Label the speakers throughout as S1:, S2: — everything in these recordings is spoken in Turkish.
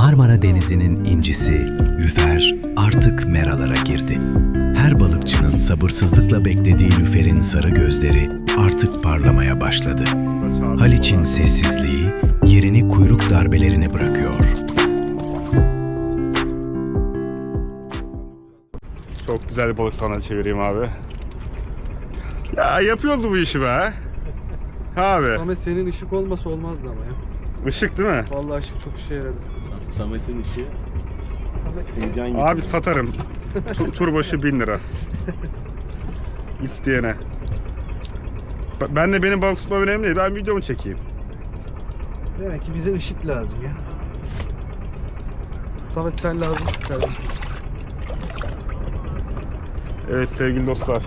S1: Marmara Denizi'nin incisi, lüfer artık meralara girdi. Her balıkçının sabırsızlıkla beklediği lüferin sarı gözleri artık parlamaya başladı. Haliç'in sessizliği yerini kuyruk darbelerine bırakıyor.
S2: Çok güzel bir balık sana çevireyim abi. Ya yapıyoruz bu işi be. Abi.
S3: Samet senin ışık olmasa olmazdı ama ya.
S2: Işık değil mi?
S3: Vallahi ışık çok işe yaradı.
S4: Samet'in işi
S3: Samet
S4: heyecan gibi.
S2: Abi satarım. Tur başı 1000 lira. İsteyene. Ben de benim balık tutmam önemli değil. Ben videomu çekeyim.
S3: demek ki bize ışık lazım ya. Samet sen lazımsın kardeşim.
S2: Evet sevgili dostlar.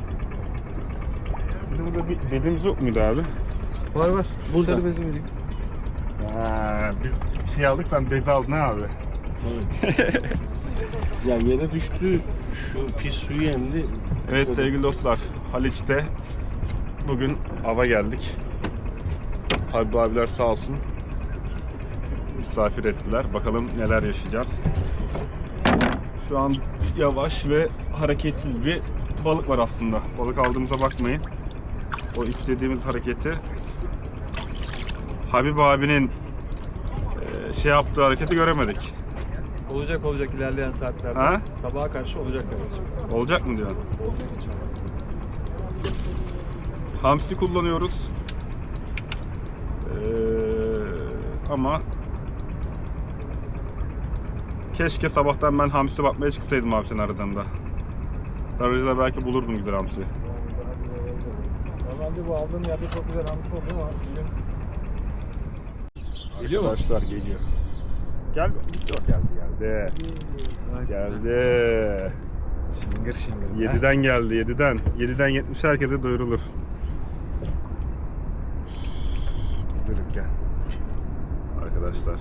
S2: Bir de burada bir bezimiz yok muydu abi?
S3: Var var. Şu
S4: Burada.
S3: sarı bezi vereyim.
S2: Biz şey aldık, sen bezi aldın ha abi.
S4: Evet. Ya yere düştü, şu pis suyu emdi.
S2: Evet sevgili dostlar, Haliç'te bugün ava geldik. Habib abiler sağ olsun misafir ettiler. Bakalım neler yaşayacağız. Şu an yavaş ve hareketsiz bir balık var aslında. Balık aldığımıza bakmayın. O istediğimiz hareketi Habib abinin şey yaptığı hareketi göremedik.
S5: Olacak ilerleyen saatlerde.
S2: Ha?
S5: Sabaha karşı olacak kardeşim.
S2: Olacak mı diyorsun? Hamsi kullanıyoruz. Ama keşke sabahtan ben hamsi bakmaya çıksaydım abi senin aradığında. Aracıda belki bulurdum gider hamsi.
S5: Normalde bu aldığım yerde çok güzel hamsi oldu ama bugün
S2: Geliyor mu? Arkadaşlar geliyor. Gel. Geldi. Geldi.
S5: şıngır şıngır.
S2: 7'den geldi 7'den. 7'den 70 herkese duyurulur. Buyurun gel. Arkadaşlar.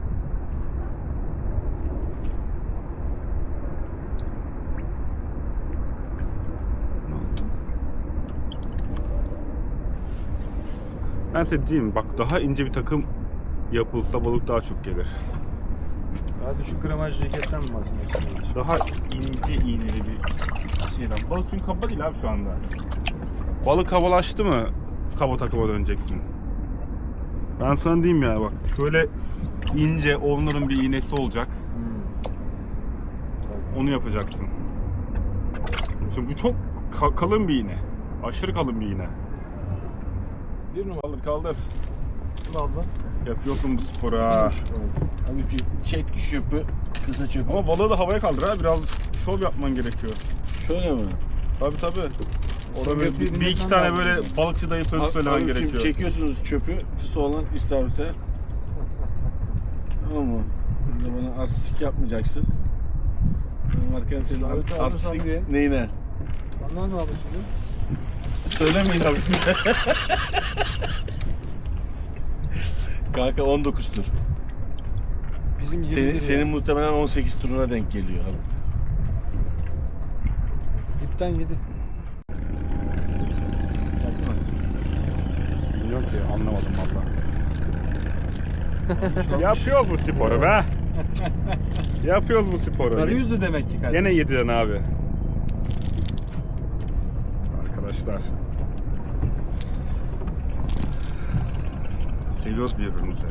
S2: Ben size diyeyim bak, daha ince bir takım yapılsa balık daha çok gelir.
S5: Daha düşük gramaj ceketten mi bahsediyorsun?
S2: Daha ince iğneli bir şeyden. Balık çünkü kaba değil abi şu anda. Balık kabalaştı mı kaba takıma döneceksin. Ben sana diyeyim ya bak, şöyle ince onların bir iğnesi olacak. Onu yapacaksın. Şimdi bu çok kalın bir iğne. Aşırı kalın bir iğne. Bir numaralı kaldır.
S5: Bunu abla.
S2: Yapıyorsun bu sporu ha.
S4: Abi çek çöpü, kısa çöpü.
S2: Ama balığı da havaya kaldır ha. Biraz şov yapman gerekiyor.
S4: Şöyle mi?
S2: Tabii. Orada bir iki tane böyle balıkçı dayı sözü söylemen
S4: Abi şimdi
S2: gerekiyor.
S4: çekiyorsunuz çöpü, kısa olan istavrit'e. Tamam mı? Burada bana artistik yapmayacaksın. Ben varken senin
S5: İstavrit'i alırsan
S4: artistik
S5: diye.
S4: neyine?
S5: Senden ne aldın şimdi?
S4: Söylemeyin abi. Kanka 19 tur.
S3: Bizim 20
S4: Senin muhtemelen 18 turuna denk geliyor abi.
S3: dipten 7.
S2: Bilmiyorum ki, anlamadım valla. Yapıyoruz bu sporu be. Yapıyoruz bu sporu.
S5: Karı yüzü demek ki kardeşim.
S2: Gene 7'den abi. Arkadaşlar. Seviyoruz birbirimizi.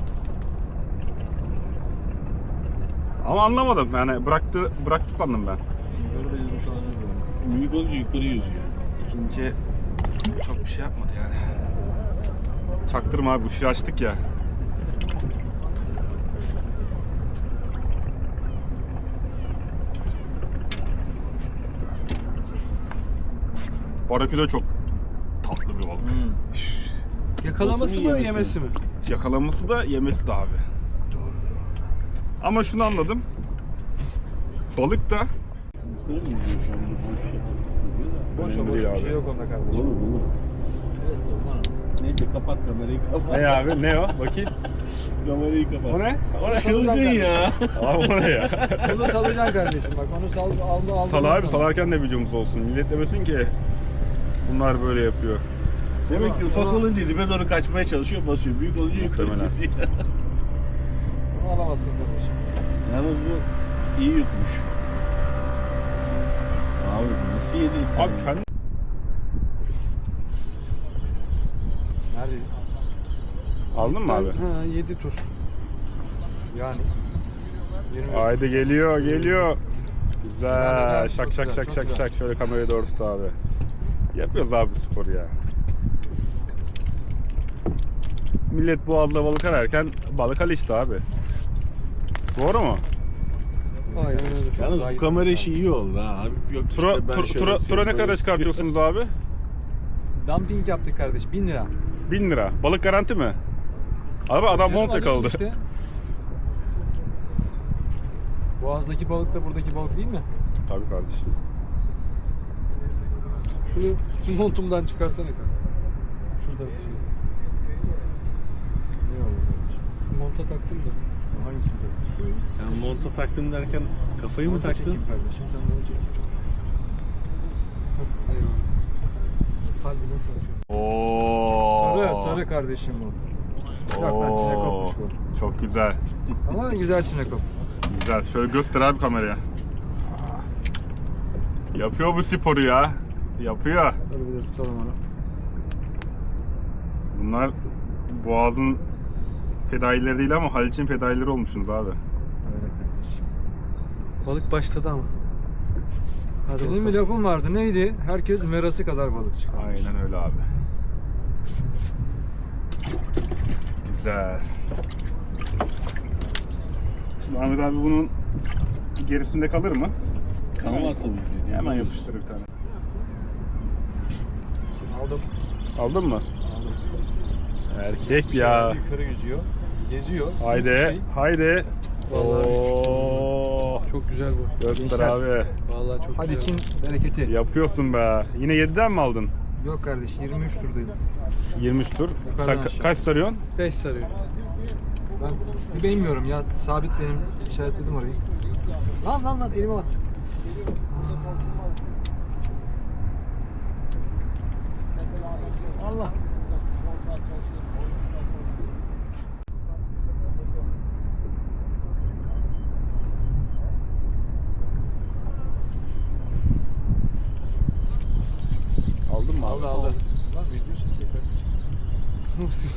S2: Ama anlamadım yani, bıraktı sandım ben.
S5: Böyle de yüzmüş olabilir böyle.
S4: Büyük olunca yukarı yüzüyor.
S2: İkinci çok bir şey yapmadı yani. Çaktırma abi, ışığı açtık ya. Baraküda çok tatlı bir balık.
S3: Yakalaması
S4: Nasıl
S3: mı
S4: yemesi?
S3: yemesi mi?
S2: Yakalaması da yemesi de abi.
S3: Doğru.
S2: Ama şunu anladım. Balık da
S4: Yukarı mı yüzüyor şu anda?
S5: Boş
S2: Önemli
S5: boş
S2: değil
S5: bir
S2: abi.
S5: şey yok onda kardeşim.
S4: Olur. Neyse kapat kamerayı kapat.
S2: ne abi, ne o? Bakayım.
S4: Kamerayı kapat.
S2: O ne? O ne?
S4: Çılgın ya.
S2: Abi o ne ya?
S5: Bunu salacaksın kardeşim bak onu aldı.
S2: Sal abi, salarken de videomuz olsun. Millet demesin ki bunlar böyle yapıyor.
S4: Demek ki ufak olunca dibe doğru kaçmaya çalışıyor, basıyor. Büyük olunca yukarı
S2: Muhtemelen.
S4: gidiyor.
S5: Bunu
S3: alamazsın kardeşim.
S4: Yalnız bu iyi yutmuş. Abi nasıl yedin sen?
S2: Abi kendi...
S3: Nerede?
S2: Aldın mı abi?
S3: Ha 7 tur. Yani. 20.
S2: Haydi geliyor. Güzel.
S3: Güzel,
S2: Şak
S3: çok
S2: şak
S3: güzel,
S2: şak
S3: çok
S2: şak
S3: güzel.
S2: şak. Şöyle kamerayı doğru tut abi. Yapıyoruz abi bu sporu ya. Millet boğazda balık ararken balık Haliç'te abi. Doğru mu?
S3: Aynen öyle.
S4: Yalnız bu kamera işi iyi oldu ha. Abi yok
S2: Tura,
S4: işte ben şöyle
S2: tura ne
S4: yapıyorum,
S2: kadar
S4: böyle
S2: çıkartıyorsunuz abi?
S3: Dumping yaptık kardeş 1000 lira.
S2: 1000 lira. Balık garanti mi? Abi adam
S3: Canım,
S2: mont
S3: adam
S2: yakaladı.
S3: işte. Boğaz'daki balık da buradaki balık değil mi?
S2: Tabii kardeşim.
S3: Şunu su montumdan çıkarsana kanka. Şurada bir şey.
S5: Ne oldu kardeşim?
S3: Monta taktım da.
S5: Hangisini taktın? Şurayı.
S4: Sen monta taktım derken kafayı mı
S3: Monta
S4: taktın?
S3: çekeyim kardeşim sen bana çek. Hah, eyvallah. Kalbi nasıl atıyor?
S2: Oo.
S3: Sarı kardeşim bu. Yok lan çinekopmuş bu.
S2: Çok güzel.
S3: Ama güzel çinekop.
S2: Güzel. Şöyle göster abi kameraya. Yapıyor bu sporu ya. Yapıyor.
S3: Böyle bir de tutalım onu.
S2: Bunlar Boğaz'ın fedaileri değil ama Haliç'in fedaileri olmuşsunuz abi.
S3: Öyle kardeşim.
S6: Balık başladı ama. Hadi
S3: Senin
S6: bakalım.
S3: bir lafın vardı neydi? Herkes merası kadar balık çıkar.
S2: Aynen öyle abi. Güzel. Şimdi Ahmet abi bunun gerisinde kalır mı?
S4: Kalmaz tabii ki.
S2: Hemen yapıştır bir tane.
S3: Aldım.
S2: Aldın mı?
S3: Aldım.
S2: Erkek ya.
S3: Yukarı yüzüyor. Geziyor.
S2: Haydi.
S3: Şey,
S2: Haydi.
S3: Vallahi
S2: Oo.
S6: Çok güzel bu.
S2: Göster
S3: Gençler.
S2: abi.
S6: Vallahi çok
S3: hadi
S6: güzel.
S3: için bereketi.
S2: Yapıyorsun be. Yine 7'den mi aldın?
S3: Yok kardeş 23 turdayım.
S2: 23 tur.
S3: Yukarıdan
S2: Sen
S3: aşağı.
S2: kaç sarıyorsun?
S6: 5 sarıyor.
S3: Ben dibe inmiyorum ya sabit benim işaretledim orayı. Lan elime at. Allah.
S2: Aldın mı abi?
S3: Aldı. Lan video çekiyor kardeşim.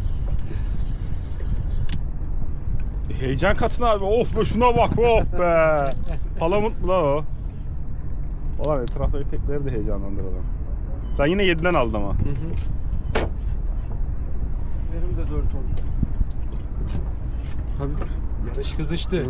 S2: Heyecan katına abi. Of be şuna bak of be. Palamut mu lan o? Ulan etraftaki tekleri de heyecanlandıralım. Sen yine 7'den aldın ama.
S3: Benim de 4 oldu.
S6: Hadi.
S3: Yarış kızıştı.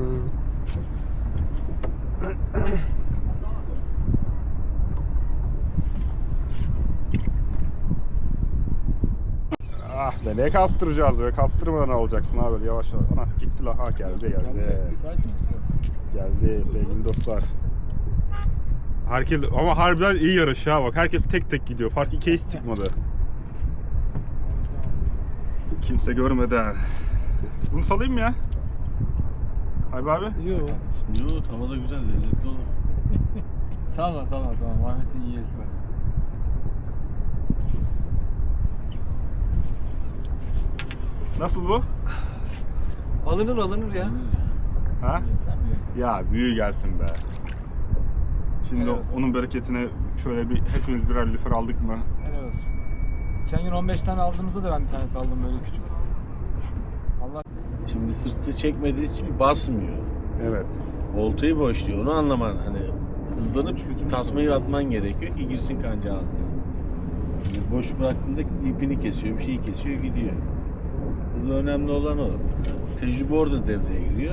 S2: Ah be ne kastıracağız be. Kastırmadan alacaksın abi yavaş yavaş. Ana gitti lan. Ha geldi.
S3: Sakin ol.
S2: Geldi sevgili dostlar. Herkes ama harbiden iyi yarış ya bak. Herkes tek tek gidiyor. Fark 2'ye hiç çıkmadı. Kimse görmeden. Bunu salayım mı ya? Haybi abi.
S6: Yok.
S4: Yok havada güzel lezzetli olur.
S3: Sağ ol tamam. Ahmet'in iyisi var.
S2: Nasıl bu?
S6: Alınır ya.
S2: Ha?
S3: Sen mi?
S2: Ya büyü gelsin be. Şimdi
S3: Evet.
S2: onun bereketine şöyle bir hepimiz birer lüfer aldık mı?
S3: Helal olsun. Geçen gün 15 tane aldığımızda da ben bir tane saldım böyle küçük. Allah
S4: Şimdi sırtı çekmediği için basmıyor.
S2: Evet.
S4: Oltayı boşluyor. Onu anlaman hani hızlanıp tasmayı atman gerekiyor ki girsin kanca ağzına. Yani boş bıraktığında ipini kesiyor, bir şeyi kesiyor, gidiyor. Burada önemli olan o. Yani tecrübe orada devreye giriyor.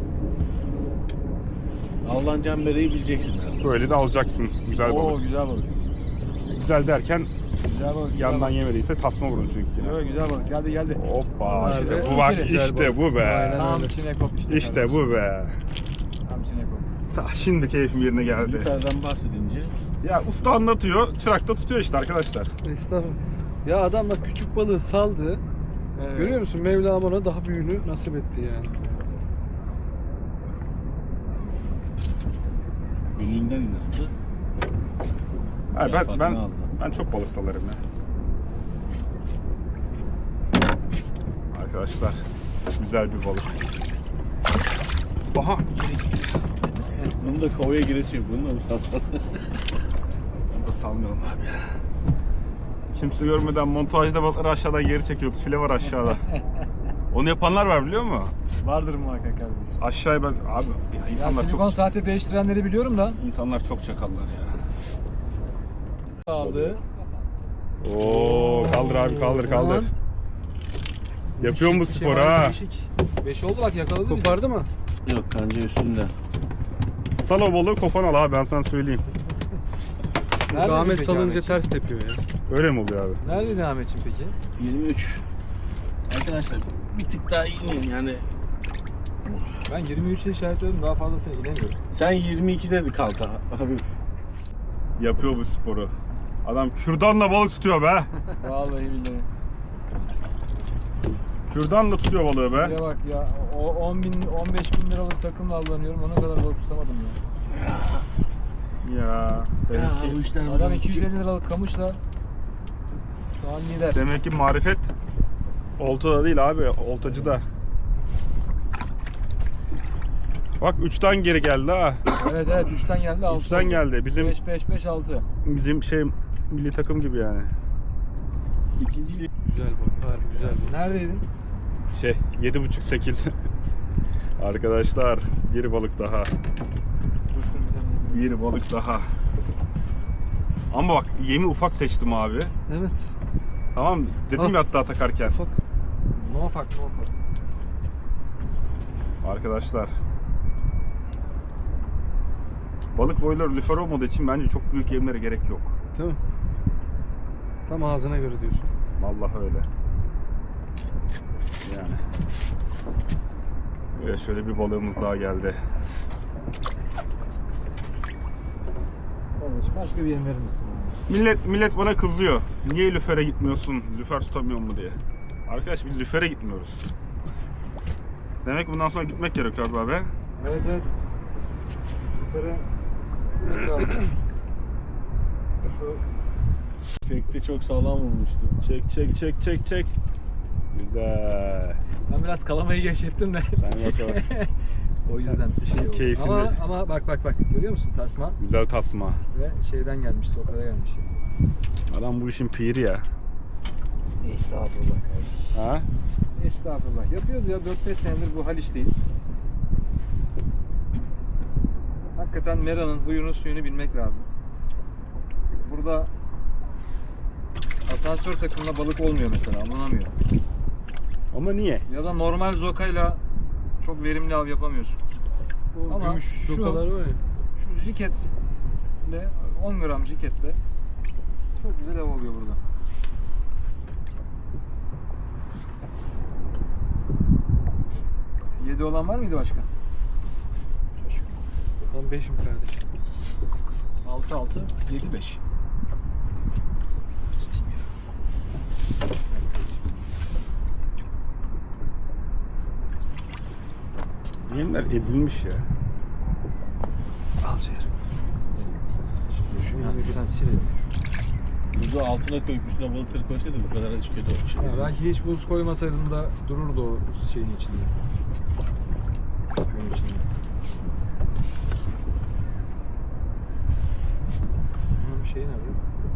S4: Avlanacağın bereyi bileceksin her zaman.
S2: Böyle de alacaksın. Güzel
S3: Oo
S2: balık.
S3: güzel balık.
S2: Güzel derken
S3: Güzel balık.
S2: yandan yemediyse tasma vurun çünkü yine.
S3: Yok güzel balık. Geldi.
S2: Hoppa
S6: Nerede?
S2: işte bu bak
S6: Güzel
S2: işte
S6: balık.
S2: bu be.
S6: Aynen.
S3: Tam
S6: öyle.
S3: çinekop işte.
S2: İşte
S3: kardeşim.
S2: bu be.
S3: Tam çinekop.
S2: Ah, şimdi keyfim yerine geldi.
S4: Lüferden bahsedince
S2: Ya usta anlatıyor, çırak da tutuyor işte arkadaşlar.
S6: Estağfurullah. Ya adam bak küçük balığı saldı.
S3: Evet.
S6: Görüyor musun? Mevlam ona daha büyüğünü nasip etti yani.
S4: gönlünden inandı.
S2: Ha,
S4: Fatma aldı.
S2: ben çok balık salarım ya. Arkadaşlar güzel bir balık. Aha.
S4: Bunun da kovaya giresi yok. Bunu da mı satsan?
S2: Bunu da salmayalım abi ya. Kimse görmeden montajda balıkları aşağıdan geri çekiyoruz. File var aşağıda. Onu yapanlar var biliyor musun?
S3: Vardır muhakkak kardeşim.
S2: Aşağıya ben abi ya
S3: Ya
S2: insanlar
S3: silikon
S2: çok
S3: saati değiştirenleri biliyorum da.
S2: insanlar çok çakallar ya.
S3: Aldı.
S2: Oo kaldır abi kaldır kaldır.
S3: Aman.
S2: Yapıyor mu
S3: Değişik bir
S2: spor
S3: şey var,
S2: ha?
S3: değişik. 5 oldu bak yakaladı bizi.
S6: Kopardı mı?
S4: Yok kanca üstünde.
S2: Sal o balığı kofan al abi ben sana söyleyeyim.
S3: Nerede
S6: Ahmet
S3: peki
S6: salınca
S3: Ahmetciğim?
S6: ters tepiyor ya.
S2: Öyle mi oluyor abi?
S3: Neredeydi Ahmetciğim peki?
S4: 23. Arkadaşlar bir tık daha inin yani.
S3: Ben 23'e işaretledim, daha fazlasına inemiyorum.
S4: Sen 22'de de kalk abi.
S2: Yapıyor bu sporu. Adam kürdanla balık tutuyor be.
S3: Vallahi billahi.
S2: Kürdanla tutuyor balığı be.
S3: Bir bak ya, o 10 bin, 15 bin liralık takımla avlanıyorum, ona kadar balık tutamadım ya.
S2: Ya.
S4: Bu işler
S3: Adam 250 liralık kamışla şu an lider.
S2: Demek ki marifet oltada değil abi, oltacıda. Bak 3'ten geri geldi ha.
S3: Evet 3'ten geldi, 6
S2: 3'ten geldi. Bizim
S3: 5 6.
S2: bizim milli takım gibi yani.
S4: İkinci
S6: Güzel bak. Harbi güzel bak.
S3: Neredeydin?
S2: 7,5-8. Arkadaşlar bir balık daha. Bir balık daha. Ama bak yemi ufak seçtim abi.
S6: Evet.
S2: Tamam dedim ya hatta takarken.
S6: Ufak.
S3: No fuck, no fuck.
S2: Arkadaşlar. Balık boyları lüfer olmadığı için bence çok büyük yemlere gerek yok.
S6: Değil mi? Tam ağzına göre diyorsun.
S2: Vallahi öyle. Yani. Ve şöyle bir balığımız daha geldi.
S3: Kardeşim başka bir yem verir misin bana?
S2: Millet bana kızıyor. Niye lüfere gitmiyorsun? Lüfer tutamıyor mu diye. Arkadaş biz lüfere gitmiyoruz. Demek bundan sonra gitmek gerekiyor abi.
S3: Evet. Yukarı. Şu
S4: tekte çok sağlam vurmuştu.
S2: Çek. Güzel.
S3: ben biraz kalamayı gevşettim de.
S2: Sen bakalım.
S3: O yüzden
S2: İşin
S3: oldu.
S2: keyfini.
S3: Ama bak görüyor musun tasma
S2: Güzel tasma.
S3: ve şeyden gelmiş, sokada gelmiş.
S2: Adam bu işin piri ya.
S3: Estağfurullah.
S2: Ha?
S3: Estağfurullah. Yapıyoruz ya, 4-5 senedir bu Haliç'teyiz. Hakikaten Mera'nın huyunu suyunu bilmek lazım. Burada asansör takımla balık olmuyor mesela, alınamıyor.
S2: Ama niye?
S3: Ya da normal zokayla çok verimli av yapamıyorsun.
S6: O
S3: Ama
S6: gümüş
S3: şu-
S6: sokalar var ya.
S3: Şu jiketle, 10 gram jiketle çok güzel av oluyor burada. Yedi olan var mıydı başka?
S6: Ben 5'im kardeşim.
S3: 6 7 5.
S2: Yemler ezilmiş ya.
S6: Al ciğer.
S3: Şimdi sen silelim.
S4: Buzu altına koyup üstüne balıkları koysaydı bu kadar hiç kötü olmuş.
S3: Ya belki hiç buz koymasaydım da dururdu o şeyin içinde. Köyün içinde. Bir şey nerede?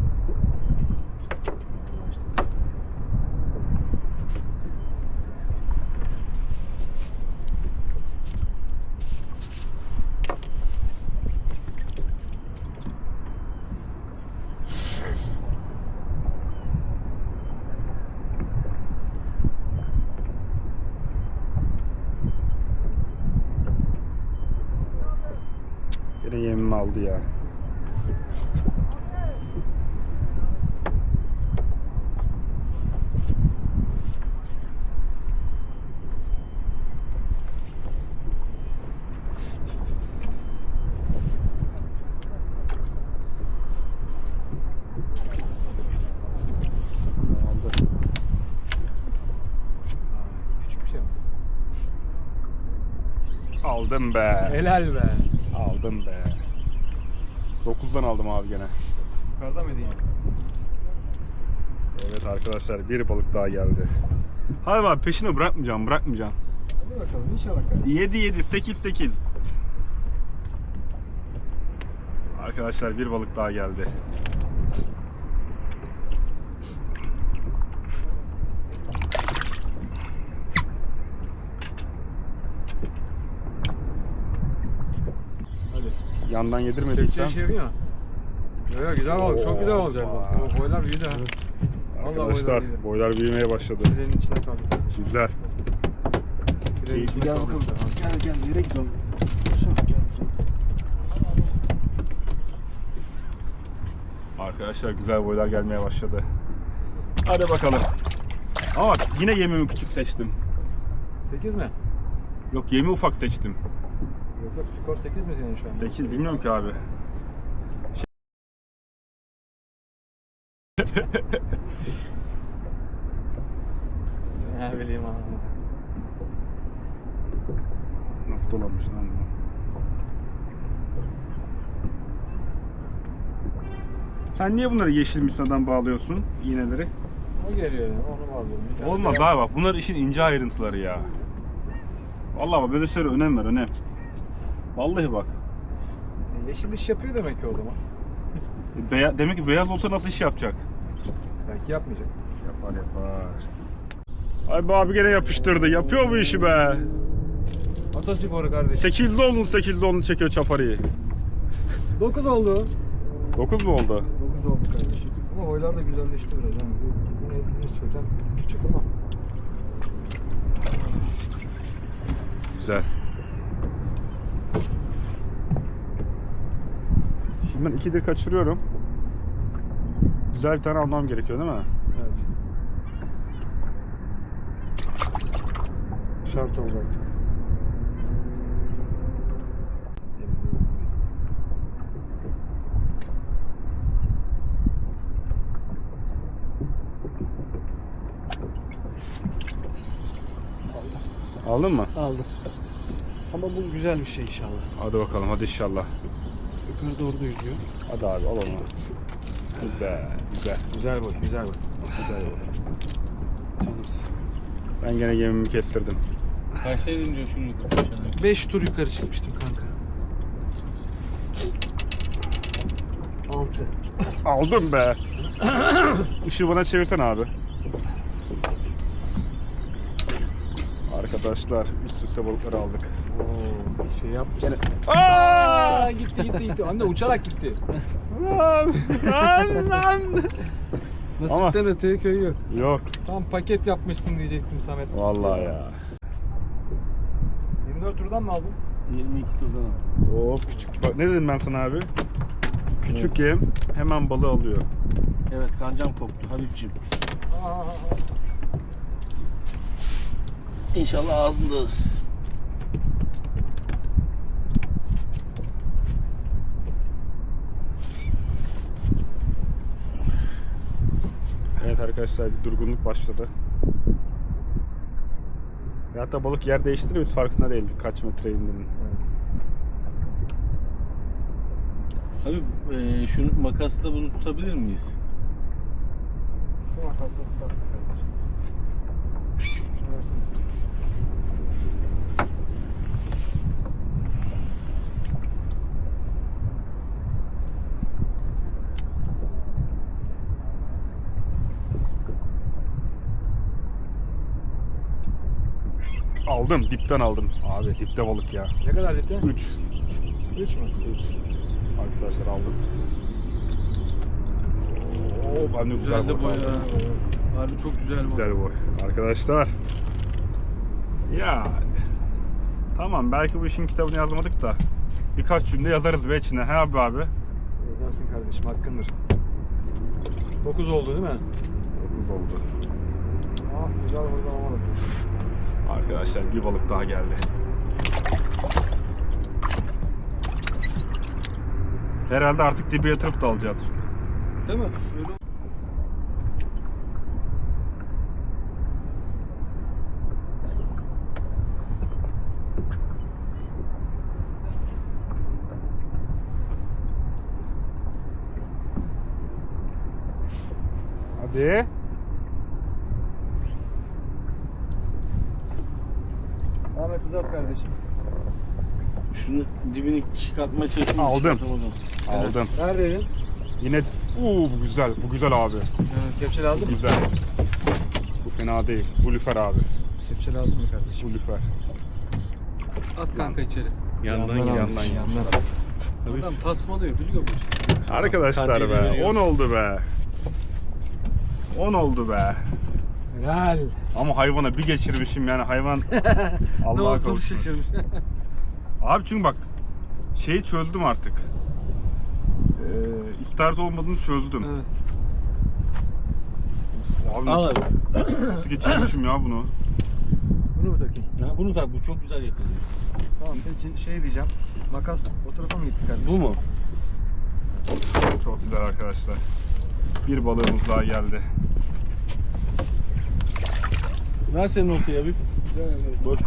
S2: Yine yemimi aldı ya. Aldı.
S3: Küçük bir şey mi?
S2: Aldım be.
S3: Helal be.
S2: Aldım be. 9'dan aldım abi gene.
S3: Yukarıda mıydı yine?
S2: Evet arkadaşlar bir balık daha geldi. Hayır abi peşini bırakmayacağım.
S3: Hadi bakalım inşallah kardeşim.
S2: 7 8. Arkadaşlar bir balık daha geldi.
S3: Hadi.
S2: Yandan yedirmediysem.
S3: Çekeceği şey yok. Yok güzel balık, çok güzel balık. O boylar büyüdü ha. Vallahi
S2: Arkadaşlar
S3: büyüdü.
S2: boylar büyümeye başladı.
S3: Pirenin içine kaldı.
S2: Güzel.
S3: Pirenin içine
S6: Gel
S3: kaldı.
S6: bakalım. Gel nereye gidiyorsun?
S2: Arkadaşlar güzel boylar gelmeye başladı. Hadi bakalım. Ama bak yine yemimi küçük seçtim.
S3: 8 mi?
S2: Yok yemi ufak seçtim.
S3: Yok skor 8 mi senin şu an?
S2: 8 bilmiyorum ki abi.
S3: Ne bileyim ha.
S2: Nasıl dolanmış lan bu? Sen niye bunları yeşil misadan bağlıyorsun iğneleri?
S3: O geliyor yani onu bağlıyorum. Bir tane
S2: Olmaz abi bak bunlar işin ince ayrıntıları ya. Vallahi bak böyle şeylere önem ver önem. Vallahi bak.
S3: Yeşil iş yapıyor demek ki o zaman.
S2: Demek ki beyaz olsa nasıl iş yapacak?
S3: Belki yapmayacak.
S2: Yapar. Ay bu abi gene yapıştırdı. Yapıyor bu işi be.
S3: Atasporu kardeşim.
S2: 8'li olun çekiyor çaparıyı.
S3: 9 oldu.
S2: 9 mu oldu?
S3: 9 oldu kardeşim. Ama boylar da güzelleşti biraz. Yani bu nispeten küçük ama.
S2: Güzel. Şimdi ben 2'dir kaçırıyorum. Güzel bir tane almam gerekiyor değil mi?
S3: Evet.
S6: Şart oldu artık.
S2: Aldın mı?
S6: Aldım. Ama bu güzel bir şey inşallah.
S2: Hadi bakalım hadi inşallah.
S6: Yukarı doğru da yüzüyor.
S2: Hadi abi al onu. Güzel güzel.
S3: Güzel boy, güzel boy.
S2: Güzel.
S6: Canımsın.
S2: Ben gene gemimi kestirdim.
S4: Kaçta ince şunu yukarı aşağı?
S6: 5 tur yukarı çıkmıştım kanka. 6.
S2: Aldım be. Işığı bana çevirsen abi. Arkadaşlar üst üste balıkları aldık.
S3: Oo, şey yapmışsın.
S2: Aaaa!
S3: Gitti. Hem de uçarak gitti.
S6: Nasipten öteye köy yok.
S2: Yok.
S3: Tam paket yapmışsın diyecektim Samet.
S2: Vallahi ya.
S3: 24 turdan mı aldın?
S4: 22 turdan al.
S2: Hop küçük. Bak, ne dedim ben sana abi? Küçük yem hemen balığı alıyor.
S4: Evet kancam koptu Habibciğim. İnşallah ağzındadır.
S2: Evet arkadaşlar bir durgunluk başladı. Ve hatta balık yer değiştirir biz farkında değildik kaç metre indiğinin.
S4: Habib şu makasla bunu tutabilir miyiz?
S3: Şu makasla tutarsın kardeşim. Şunu versene.
S2: Aldım dipten aldım. Abi dipte balık ya.
S3: Ne kadar dipte?
S2: 3.
S3: 3 mü?
S2: 3. Arkadaşlar aldım. Oo, ben de güzel
S6: Güzel de boy
S2: aldım.
S6: ha. Harbi çok güzel boy.
S2: Güzel boy. Arkadaşlar. Ya. Tamam belki bu işin kitabını yazmadık da birkaç cümle yazarız be içine. He abi abi.
S3: Yazarsın kardeşim hakkındır. 9 oldu değil mi?
S2: 9 oldu.
S3: Ah güzel burada olmadı.
S2: Arkadaşlar bir balık daha geldi. Herhalde artık dibe yatırıp da alacağız.
S6: Değil mi? Öyle
S2: Hadi.
S3: Ahmet uzat kardeşim.
S4: Şunu dibini çıkartmaya çalışayım.
S2: Aldım.
S4: çıkartamadım.
S2: Aldım.
S3: Neredeydin?
S2: Yine bu güzel. Bu güzel abi.
S3: Evet, kepçe
S2: Bu
S3: lazım mı?
S2: güzel. Bu fena değil. Bu lüfer abi.
S3: Kepçe lazım mı kardeşim?
S2: Bu lüfer.
S6: At kanka içeri.
S4: Yandan
S3: Yandan
S4: yandan.
S3: almışsın, yandan.
S6: Adam tasmalıyor biliyor bu işi.
S2: Arkadaşlar
S4: Kancayı
S2: be.
S4: veriyor.
S2: 10 oldu be. 10 oldu be.
S3: Helal.
S2: Ama hayvana bir geçirmişim yani hayvan.
S6: Ne
S2: Allah'a
S6: olduğunu
S2: kavuşsun.
S6: şaşırmış.
S2: Abi çünkü bak şeyi çözdüm artık. İstart olmadığını çözdüm.
S6: Evet.
S2: Abi
S4: Al
S2: nasıl,
S4: abi.
S2: nasıl geçirmişim ya bunu?
S3: Bunu mu takayım?
S4: Ha, bunu tak, bu çok güzel yakalıyor.
S3: Tamam peki şey diyeceğim. Makas o tarafa mı gitti kardeşim?
S4: Bu mu?
S2: Çok güzel arkadaşlar. Bir balığımız daha geldi.
S4: Ver senin oltayı abi. Boş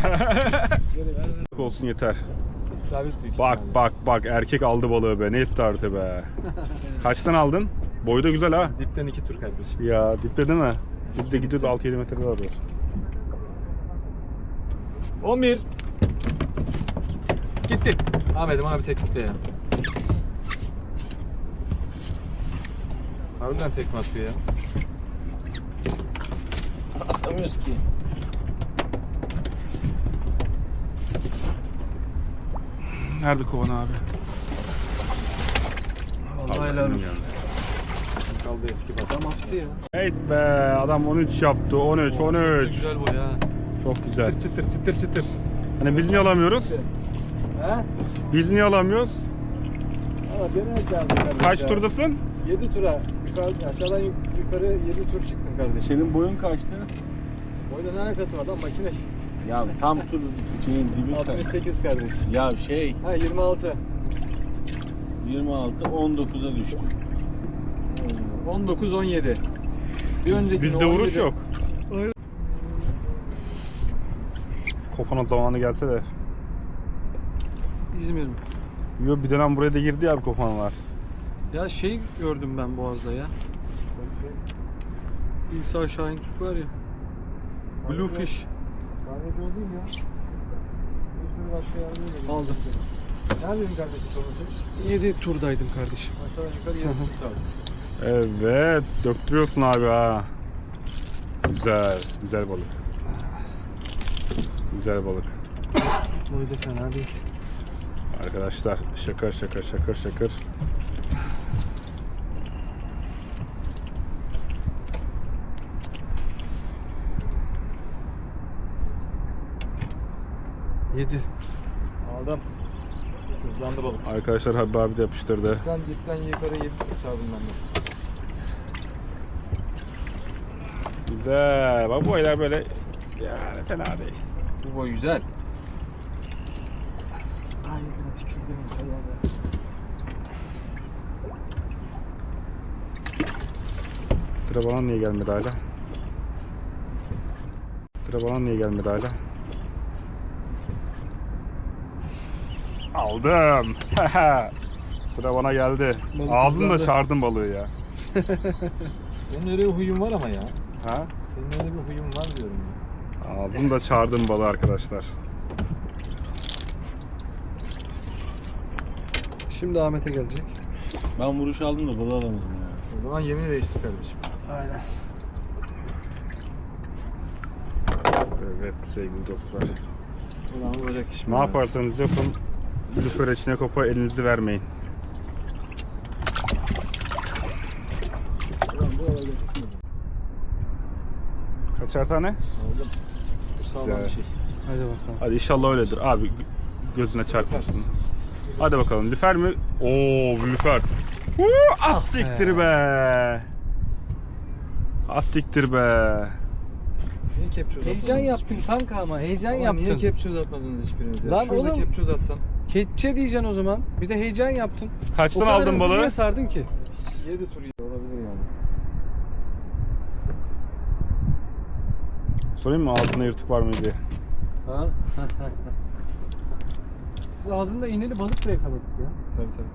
S2: Olsun yeter.
S3: İsabet büyük
S2: Bak
S3: ihtimalle.
S2: bak bak erkek aldı balığı be. Ne startı be. Kaçtan aldın? Boyu da güzel ha.
S3: Dipten 2 tur kardeşim.
S2: Ya dipte değil mi? Dipte gidiyordu 6-7 metre daha var.
S3: 11. Gitti. Ahmet'im abi teknikle ya. Harbiden tekme atıyor ya.
S4: atamıyoruz ki.
S2: Nerede kovan abi?
S6: Vallahi helal olsun.
S3: Kaldı eski bas.
S6: Adam attı ya.
S2: Evet be adam 13 yaptı 13
S6: Çok
S2: 13.
S6: güzel boy ha.
S2: Çok güzel.
S3: Çıtır çıtır çıtır.
S2: Hani biz niye alamıyoruz?
S3: He?
S2: Biz niye alamıyoruz?
S3: Ama denemek lazım kardeşim.
S2: Kaç
S3: ya.
S2: turdasın?
S3: 7 tura. Yukarı, aşağıdan yukarı 7 tur çıktım kardeşim.
S4: Senin boyun kaçtı?
S3: Boyla ne alakası var lan makine.
S4: Ya tam tur şeyin dibi.
S3: 68 kardeşim.
S4: Ya şey
S3: Ha 26.
S4: 26 19'a düştü.
S3: 19 17. Bir önceki
S2: Bizde vuruş yok. Kofana zamanı gelse de.
S6: İzmir mi?
S2: Yo bir dönem buraya da girdi ya bir kofanalar.
S6: Ya şey gördüm ben Boğaz'da ya. İsa Şahin Türk var ya. Bluefish.
S3: Kahveci o değil ya. Bir sürü başka yerde de.
S6: Aldım.
S3: Neredeydin kardeşim sonucu?
S6: 7 turdaydım kardeşim.
S3: Aşağıdan yukarı 7 tur kaldı.
S2: Evet döktürüyorsun abi ha. Güzel. Güzel balık. Güzel balık.
S6: Boy da fena değil.
S2: Arkadaşlar şakır şakır şakır şakır.
S6: Yedi.
S3: Aldım. Hızlandı balık.
S2: Arkadaşlar Habib abi de yapıştırdı.
S3: Dipten yukarı 7 tur çaldım ben de.
S2: Güzel. Bak bu aylar böyle yani fena değil.
S6: Bu boy güzel.
S3: Ağzına tükürdüm.
S2: Sıra bana niye gelmedi hala? Sıra bana niye gelmedi hala? Aldım. Sıra bana geldi.
S6: Balık
S2: Ağzımda
S6: hızlandı.
S2: çağırdım balığı ya.
S3: Senin öyle bir huyun var ama ya.
S2: Ha?
S3: Senin öyle bir huyun var diyorum ya.
S2: Ağzımda çağırdım balığı arkadaşlar.
S6: Şimdi Ahmet'e gelecek.
S4: Ben vuruş aldım da balığı alamadım ya.
S3: O zaman yemini değiştir kardeşim.
S6: Aynen.
S2: Evet sevgili dostlar.
S3: Ulan olacak iş mi?
S2: Ne yaparsanız yapın. Lüfer içine kopa elinizi vermeyin.
S3: Ulan bu olacak iş mi?
S2: Kaçar tane?
S3: Aldım. Bu sağlam
S2: Güzel.
S3: bir şey.
S6: Hadi bakalım.
S2: Hadi inşallah öyledir. Abi gözüne çarpmasın. Hadi bakalım. Lüfer mi? Oo lüfer. Az siktir be. Az siktir be.
S3: Niye kepçe uzatmadınız?
S6: Heyecan yaptın kanka ama heyecan
S3: Ama
S6: yaptın.
S3: niye kepçe uzatmadınız hiçbiriniz ya?
S6: Lan
S3: Şurada
S6: oğlum.
S3: kepçe uzatsan.
S6: Kepçe diyeceksin o zaman. Bir de heyecan yaptın.
S2: Kaçtan
S6: O kadar
S2: aldın
S6: hızlı
S2: balığı?
S6: Niye sardın ki?
S3: 7 tur olabilir yani.
S2: Sorayım mı altına yırtık var mı diye.
S6: Ha? Biz ağzında iğneli balık da yakaladık ya.
S3: Tabii tabii.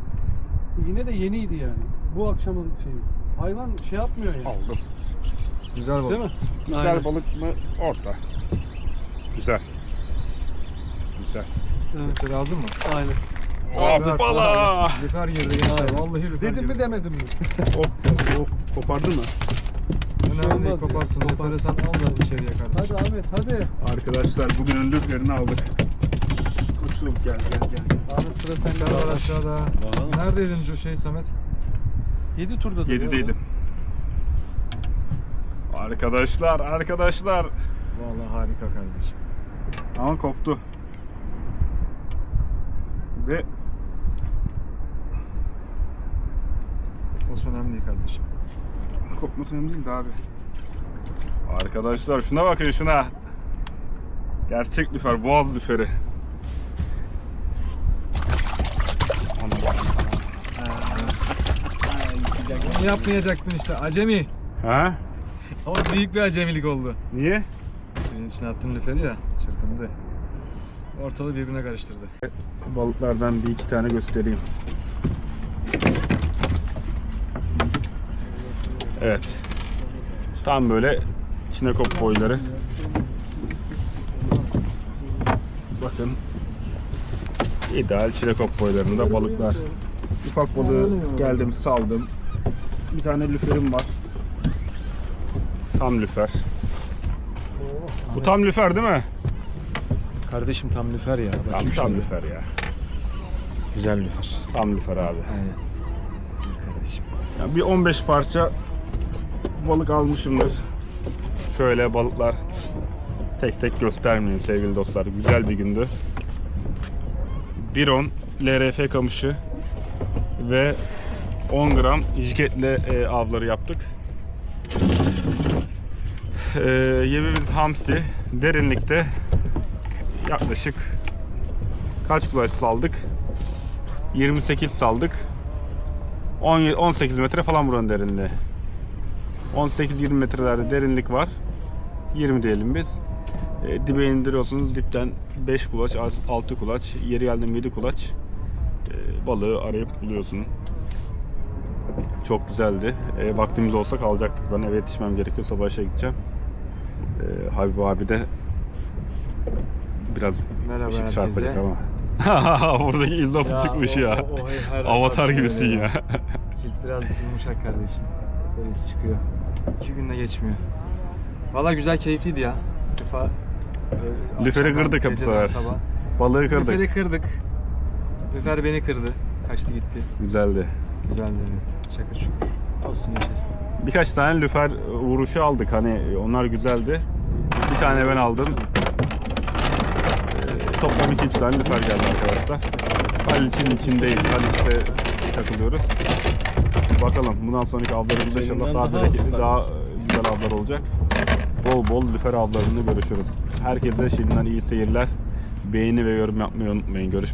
S6: İğne de yeniydi yani. Bu akşamın şeyi. Hayvan şey yapmıyor yani.
S2: Aldım.
S6: Güzel balık.
S2: Değil mi? Güzel
S6: Aynen.
S2: balık mı? Orta. Güzel. Güzel.
S6: Evet. Lazım mı?
S3: Aynen.
S2: Hoppala!
S6: Lüfer girdi gençler. Vallahi lüfer
S3: Dedim
S6: girdi.
S3: mi demedim mi?
S2: Oh, kopardı mı?
S6: Önemli değil,
S3: olmaz ya.
S6: koparsın. Lüferi sen al da içeriye kardeşim.
S3: Hadi Ahmet hadi.
S2: Arkadaşlar bugünün lüferini aldık. Koçum gel.
S3: Ahmet sıra sende.
S6: Lüfer var
S3: kardeş.
S6: aşağıda. Neredeydin Samet?
S3: 7 turda.
S2: 7'deydim. Arkadaşlar.
S6: Vallahi harika kardeşim.
S2: Ama koptu. Ve
S6: O önemli değil kardeşim.
S2: kopması önemli değil de abi. Arkadaşlar şuna bakın şuna. Gerçek lüfer, boğaz lüferi.
S6: Bunu yapmayacaktın işte acemi.
S2: Ha?
S6: Ama büyük bir acemilik oldu.
S2: Niye?
S6: Suyun içine attın lüferi ya, çırpındı. Ortalığı birbirine karıştırdı.
S2: Balıklardan bir iki tane göstereyim. Evet. Tam böyle çinekop boyları. Bakın. İdeal çinekop boylarında balıklar. Ufak balığı geldim saldım. Bir tane lüferim var. Tam lüfer. Bu tam lüfer değil mi?
S6: Kardeşim tam lüfer ya.
S2: Tam lüfer ya.
S6: Güzel lüfer.
S2: Tam lüfer abi.
S6: Aynen. Kardeşim.
S2: Yani bir 15 parça balık almışımdır. Şöyle balıklar tek tek göstermeyeyim sevgili dostlar. Güzel bir gündü. 1.10 LRF kamışı ve 10 gram jiketle avları yaptık. Yemimiz hamsi. Derinlikte yaklaşık kaç kulaç saldık? 28 saldık. 18 metre falan buranın derinliği. 18-20 metrelerde derinlik var. 20 diyelim biz. Dibe indiriyorsunuz. Dipten 5 kulaç, 6 kulaç, yeri geldi 7 kulaç balığı arayıp buluyorsun. Çok güzeldi. Vaktimiz olsa kalacaktık. Ben eve yetişmem gerekiyor. Sabah işe gideceğim. Habib abi de biraz
S6: Merhaba
S2: ışık
S6: herkese.
S2: çarpacak ama. Buradaki iz nasıl çıkmış ya. Avatar gibisin ya.
S6: Cilt biraz yumuşak kardeşim. Böyle iz çıkıyor. 2 günde geçmiyor. Valla güzel, keyifliydi ya. Defa
S2: Lüferi
S6: akşamdan,
S2: kırdık hep bu
S6: geceden
S2: sefer.
S6: sabah.
S2: Balığı kırdık.
S6: Lüferi kırdık. Lüfer beni kırdı. Kaçtı gitti.
S2: Güzeldi.
S6: Güzeldi evet. Şakır şukur. Olsun, yaşasın.
S2: Birkaç tane lüfer vuruşu aldık. Hani onlar güzeldi. Bir tane ben aldım. Toplam 2-3 tane lüfer geldi arkadaşlar. Haliç'in içindeyiz. Haliç'te takılıyoruz. Bakalım bundan sonraki avlarımızda inşallah daha bereketli, daha güzel avlar olacak. Bol bol lüfer avlarında görüşürüz. Herkese şimdiden iyi seyirler. Beğeni ve yorum yapmayı unutmayın. Görüşmek üzere.